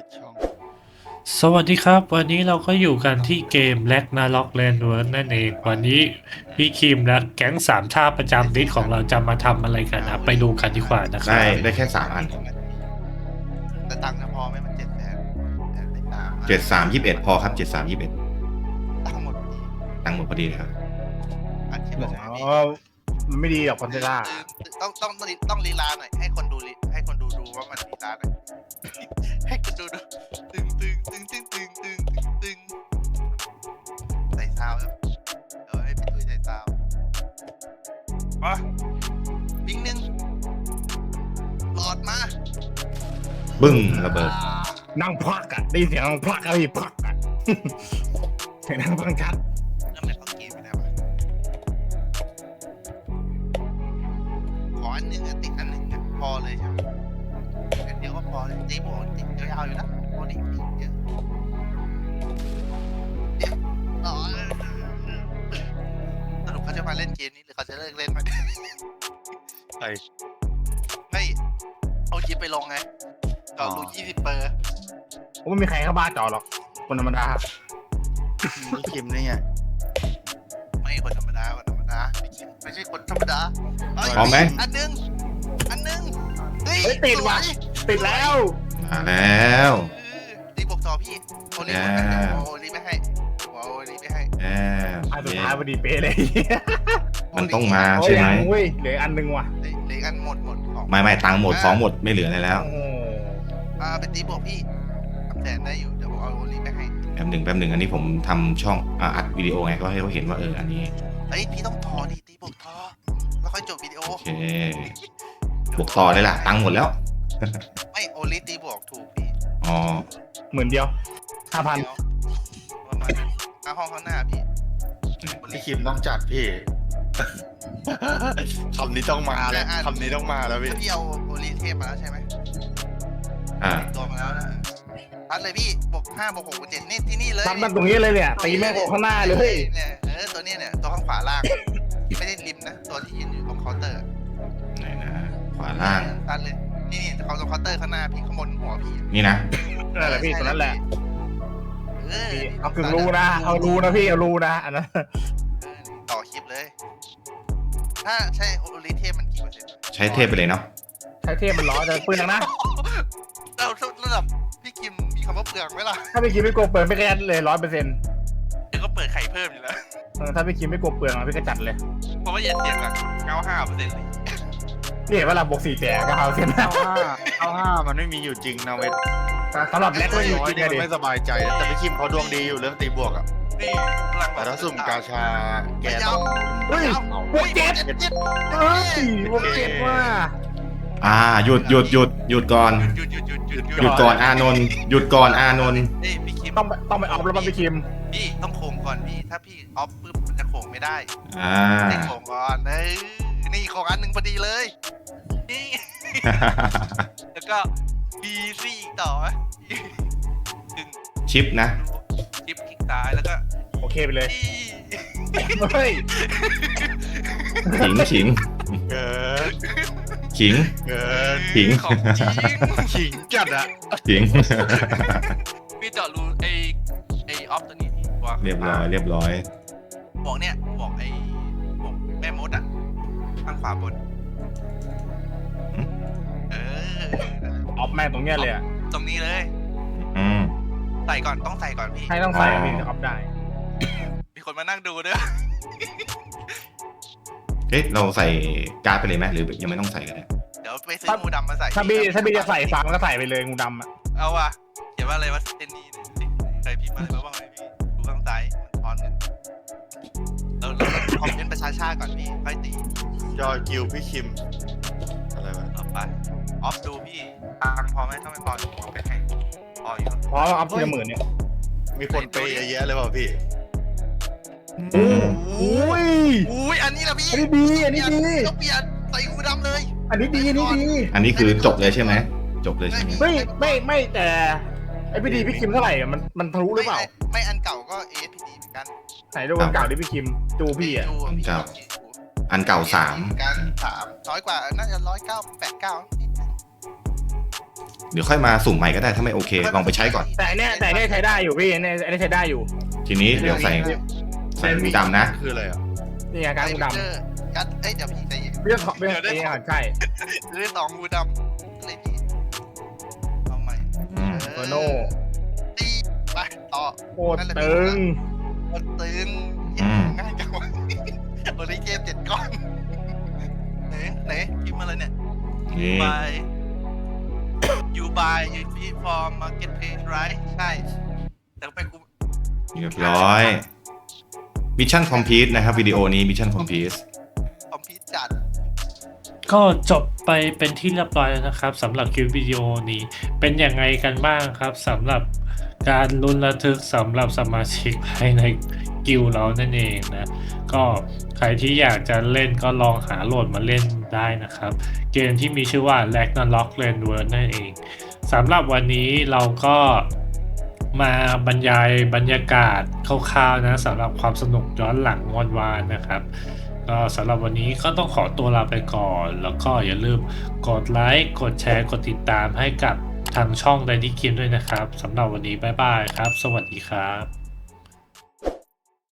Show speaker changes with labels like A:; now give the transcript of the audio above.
A: ช่อง
B: สวัสดีครับวันนี้เราก็อยู่กันที่เกม Ragnarok Landward นั่นเองวันนี้พี่คิมและแก๊งสามท่าประจำดิสของเราจะมาทำอะไรกันนะไปดูกันดีกว่านะครับ
C: ได้แค่3 อัน
A: แต่ตังค์จะพอไหมมัน700,000แต่ได้
C: 7321พอครับ7321
A: ตังค์หมดพอดี
C: ตังค์หมดพอดีเลยครับ
A: อัดคลิป
D: บ
A: แบ
D: อก
A: บ
D: ว่า
A: นี้
D: มันไม่ดีหรอกคอนเทล่า
A: ต้องลีลาหน่อยให้คนดูให้คนดูว่ามันลีลาหน่อยให้คนดูตึงใส่ซาวครับเดี๋ยวให้พี่ตุ้ยใส่ซาวมาวิ่งหนึ่งหลอดมา
C: บึ้งระเบิด
D: นั่งพลักอะได้ยินเสียงนั่งพลักอะไรพลักอะเสียงนั่งฟังชัด
A: แล้วมันเข้าเกมไปแล้วอะขออันหนึงอะติดอันหนึ่งอะพอเลยใช่ไหมอันเดียวก็พอเลยตีโบนติดยาวๆอยู่นะโบนอีกเยอะต่อสรุปเขาจะมาเล่นเกมนี้หรือเขาจะเลิกเล่นมัน
E: ใช่
A: ไม่เอาคลิปไปลงไงก็รู้20 เปอร์
D: ผมไม่มีใครเข้าบ้านจอหรอกคนธรรมดา
E: นี่คิมนี่ไง
A: ไม่คนธรรมดาไม่ใช่คนธรรมดาเย
C: พร้อมไหม
A: อันหนึงเฮ้ย
D: เฮ้ยติดว่ะ
A: สย
D: ติดแล้ว
C: มาแล้ว
A: ตีบวกต่อพี่โอลิ
C: อ่า
A: โอลิไม่ให้โอลิไม่ให้
C: แอม
D: อันสุดท้ายพอดีเป๊ะเลย
C: มันต้องมา
D: โอ้
C: ใช่
D: ย
C: ไหม
D: เว้ยเหลืออันนึงว่ะ
A: เหลืออันหมดของ
C: ไม่ตังค์หมดของหมดไม่เหลืออะไรแล้ว
D: โอ้โห
A: เป็นตีบวกพี่300,000ได้อยู่เดี๋ยวผมเอาโอลิไม่ให้
C: แป๊บหนึ่งอันนี้ผมทำช่องอัดวิดีโอไงก็ให้เขาเห็นว่าอันนี้
A: เฮ้ยพี่ต้องทอดิตีบวกทอแล้วค่อยจบวิดีโอ
C: โอเคบวกต่อเลยล่ะตังค์หมดแล้ว
A: ไม่โอลิตีบวกถูกพี่
C: อ๋อ
D: เหมือนเดียว 5,000
A: เดี๋ยวประมาณนั้นห้องข้างหน้าพี่
E: พี่คิมต้องจัดพี่ คำนี้ต้องมาแล้วคำนี้ต้องมาแล้วพี่
A: ถ้าพี่เอาโอลิเทพมาแล้วใช่ไหม
C: อ่า
A: ตัวมาแล้วนะพัดเลยพี่บวก5บวก6บวก7นี่ที่นี่เลย
D: ตัดมันตรงนี้เลยเนี่ยตีแม่งออกข้างหน้าเลย
A: เนี่ยตัวเนี้ยเนี่ยตัวข้างขวาล่าง ไม่ได้ริมนะตัวที่ยืนอยู่ตรงเคาน์เตอร์
C: ไหนนะขวาล่าง
A: พัดเลยนี่เขาตรงเคาน์เตอร์ข้างหน้าพี่ข้างบนหัวพี่
C: นี่นะ
D: นั่นแหละพี่ตัวนั้นแหละ
A: เออ
D: เอาถึงรู้นะเอารู้นะพี่เอารู้นะอันนั้น
A: ต่อคลิปเลย ถ้าใช่โอลิเทพมันกี่เปอร์เซ็นต์
C: ใช้เทพไปเลยเนาะ
D: ใช้เทพมันล้อจะปืนนะ
A: เราระดับพี่คิมมีคำว่าเปลืองไหมล่ะ
D: ถ้าพี่คิมไม่กลัวเปลืองไม่แค่เลย100%
A: เดี๋ยวก็เปิดไข่เพิ่มอยู่แล้ว
D: ถ้าพี่คิมไม่กลัวเปลืองพี่ก็จัดเลย
A: เพราะว่าอย่าเสียงอะ95%เลย
D: นี่เห็นว่าเราบวก4 แต่ก็เอาเส้น
E: 95มันไม่มีอยู่จริงนะเวท
D: สำหรับแรกก็อยู่
E: น้อย
D: จริง
E: นี่
D: เลย
E: มัน
D: ดิ
E: ไม่สบายใจนะแต่พี่คิมเขาดวงดีอยู่เรื่องตีบวกอ่ะ
A: นี่พลัง
E: แต่ถ้าสุ่มกาชาแกต้อง
D: เฮ้ยบวก7เฮ้ยบวก7ว่ะ
C: หยุดก่อน
A: หยุด
C: หยุดก่อนอานนท์หยุดก่อนอานนท์
A: เอ้ยพี่คิม
D: ต้องไปออฟแล้วมันไปคิม
A: พี่ต้องโค้งก่อนพี่ถ้าพี่ออฟปุ๊บมันจะโค้งไม่ได้
C: อ่า
A: ให้โค้งก่อนนี่โค้งอันหนึ่งพอดีเลยนี่ แล้วก็บีซี่อีกต่อไหมถึง
C: ชิปนะ
A: ชิปคลิกซ้ายแล้วก็
D: โอเคไปเลย
A: นี่
D: เฮ้ย
C: ขิง
E: เกิน
C: ขิง
E: เกิน
C: ขิง
A: ของจริง
E: ขิงจัดอะ
C: ขิง
A: พี่เจาะรูไอออฟตัวนี้พี่วาง
C: เรียบร้อย
A: บอกเนี่ยบอกบอกแม่มดอ่ะข้างขวาบนเออ
D: ออฟแม่งตรงเนี้ยเลยอ่ะ
A: ตรงนี้เลย
C: อืม
A: ใส่ก่อนต้องใส่ก่อนพี่
D: ให้ต้องใส่พี่ถึงออฟได้
A: มีคนมานั่งดูด้วย
C: เอ๊ะเราใส่การ์ดไปเลยไหมหรือยังไม่ต้องใส่กันเลย
A: เดี๋ยวไปซื้องูดำมาใส่
D: ถ้าพี่จะใส่ฟังก็ใส่ไปเลยงูดำอ่ะ
A: เอาว่ะเขียนว่าอะไรวะเจนนี่ใครพิมพ์อะไรมาบ้างเลยพี่ดูข้างซ้ายมันทอนกันเราคอมเมนต์ประชาชาติก่อนพี่ค่อยตี
E: จอกิวพี่คิมอะไรวะ
A: ต่อไปออฟดูพี่ตังค์พอไหมถ้าไม่พอเอาไปให้พออยู่
D: เพราะออฟทีละหมื่นเนี่ย
E: มีคนเปย์เยอะแยะเลยเปล่าพี่
D: อุ้ย
A: อุ้ยอันนี้ละพี่
D: อันนี้ดีอันนี้ดี
A: ต้องเปลี่ยนใส่งูดำเลย
D: อันนี้ดีอันนี้ดี
C: อันนี้คือจบเลยใช่ไหมจบเลยใช่ไหม
D: ไม่แต่ไอพี่ดีพี่คิมเท่าไหร่อะมันทะลุหรือเปล่า
A: ไม่อันเก่าก็ AFPD เหมือนกัน
D: ไหนดูคนเก่าดิพี่คิมจูพี่อ่ะ
C: อันเก่า3
A: การ3น้อยกว่าน่าจะ109 89
C: เดี๋ยวค่อยมาสุ่มใหม่ก็ได้ถ้าไม่โอเคลองไปใช้ก่อน
D: แต่เนี่ยใช้ได้อยู่พี่เนี่ยอันนี้ใช้ได้อยู่
C: ทีนี้เดี๋ยวใส่งูดำนะ
E: คืออะไรอ่ะ
D: นี่ไงการงูดำ
A: กัดเอ้ยเดี๋ยวพี่ใจเย็น
D: เรื่องของเรื่องนี้ใช่
A: เรื่องสองงูดำเลยพี่เอาใหม่
C: อืม
D: โตโน่
A: ตีไปต่อ
D: โคตรตึง
A: โคตรตึงง่ายจังวะวันนี้เกม7 ก้อนไหนพิมพ์อะไรเนี่ย
C: นี่
A: by you buy you fee for market page right ใช่แต่ไปกู
C: เรียบร้อยมิชชั่นคอมพลีทนะครับวิดีโอนี้มิชชั่นคอมพลีท
A: คอมพิวจัด
B: ก็จบไปเป็นที่เรียบร้อยแล้วนะครับสำหรับคลิปวิดีโอนี้เป็นยังไงกันบ้างครับสำหรับการลุ้นระทึกสำหรับสมาชิกภายในกิลด์เรานั่นเองนะก็ใครที่อยากจะเล่นก็ลองหาโหลดมาเล่นได้นะครับเกมที่มีชื่อว่า Ragnarok Landward นั่นเองสำหรับวันนี้เราก็มาบรรยายบรรยากาศคร่าวๆนะสำหรับความสนุกย้อนหลังวันวานนะครับก็สำหรับวันนี้ก็ต้องขอตัวลาไปก่อนแล้วก็อย่าลืมกดไลค์กดแชร์กดติดตามให้กับทางช่อง Daddy Kim ด้วยนะครับสำหรับวันนี้บ๊ายบายครับสวัสดีครับ